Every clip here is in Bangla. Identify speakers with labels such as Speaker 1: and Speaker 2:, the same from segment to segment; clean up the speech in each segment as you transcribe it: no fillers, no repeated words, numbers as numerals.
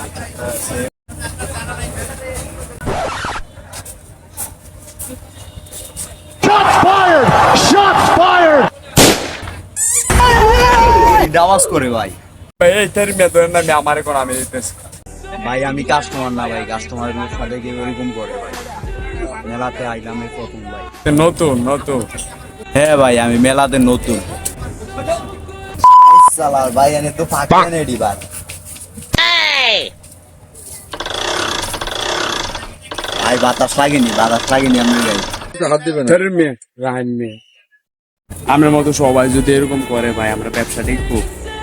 Speaker 1: আওয়াজ করে ভাই
Speaker 2: এই তের মেদন না আমারে কোন আমি দিতেছি
Speaker 1: ভাই আমি কাস্টমার না ভাই, কাস্টমারের সাথে কেউ এরকম করে ভাই। মেলাতে আইলাম এই প্রথম ভাই।
Speaker 2: নতুন নতুন
Speaker 1: হ্যাঁ ভাই আমি মেলাতে নতুন। সালার ভাই এনে তো ফাঁকা নেডি ভাই। ভাই বাতাস লাগেনি আমি গাই
Speaker 2: হাত দিবেন তের মে রাহিন মে আমার মতো সবাই যদি এরকম করে ভাই আমরা ব্যবসাটা খুব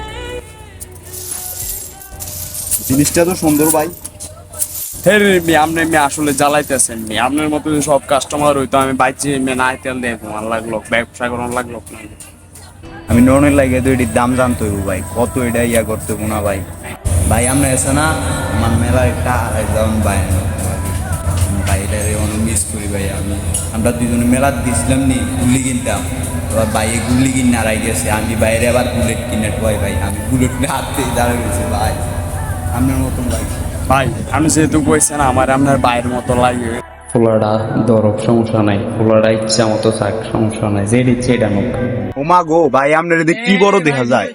Speaker 1: জিনিসটা তো সুন্দর ভাই।
Speaker 2: আপনি আসলে জ্বালাইতেছেন আপনার মতো সব কাস্টমার হইতো আমি বাইচি না তেল দিয়ে ঘুমান লাগলো ব্যবসা করার লাগলো না।
Speaker 1: আমি ননের লাগে তো এটির দাম জানতে হইব ভাই, কত এটা ইয়া করতে হবো না ভাই। ভাই আমরা এসে না আমার মেলা একটা আড়াই যাওয়ান ভাই ভাইটারে অনেক মিস করি ভাই। আমরা দুজনে মেলা দিয়েছিলাম নি গুলি কিনতাম, এবার বাইরে গুলি কিনে আড়াই গেছে, আমি বাইরে আবার বুলেট কিনে ঢোয়াই ভাই। আমি বুলেট কিনে হাতে দাঁড়িয়ে গেছি ভাই আপনার মতন ভাই।
Speaker 2: ভাই আমি যেহেতু কইছেন আমার আপনার বাইরের মতো লাগে
Speaker 3: ফুলাটা দরব সমস্যা নাই, ফুলাটা ইচ্ছা মতো থাক সমস্যা নাই, যে ইচ্ছে এটা নোক।
Speaker 1: ওমা গো ভাই আপনার এদিকে কি বড় দেখা যায়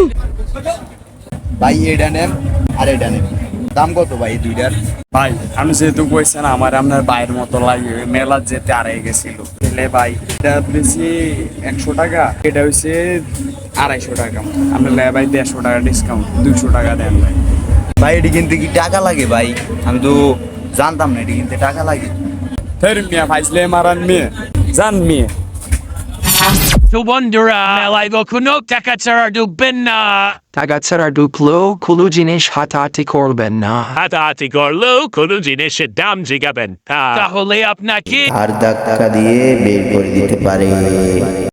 Speaker 1: ভাই। এটা নেন আর এটা নেন, দাম কত ভাই এই দুইটার?
Speaker 2: ভাই আমি যেহেতু কইছেন আমার আপনার বাইরের মতো লাগে মেলা যেতে আড়াই গেছিল তাহলে ভাই এটা বেশি 100 টাকা, এটা হচ্ছে 250 টাকা। আপনি লে ভাই 150 টাকা ডিসকাউন্ট 200 টাকা দেন ভাই।
Speaker 1: ভাই এটি কিনতে কি টাকা লাগে ভাই? আমি তো জানতাম না এটি কিনতে টাকা লাগে।
Speaker 2: ফের মিয়া ফাইজলে মারান মেয়ে জান মেয়ে
Speaker 4: তো বন্ধুরা মেলায় কোনো টাকা ছাড়া ঢুকবেন না,
Speaker 5: টাকা ছাড়া ঢুকলেও কোনো জিনিস হাতাহাতি করবেন না,
Speaker 4: হাতাহাতি করলেও কোনো জিনিসের দাম জিগাবেন না, তাহলে আপনাকে
Speaker 1: আর ধাক্কা দিয়ে বের করে দিতে পারে।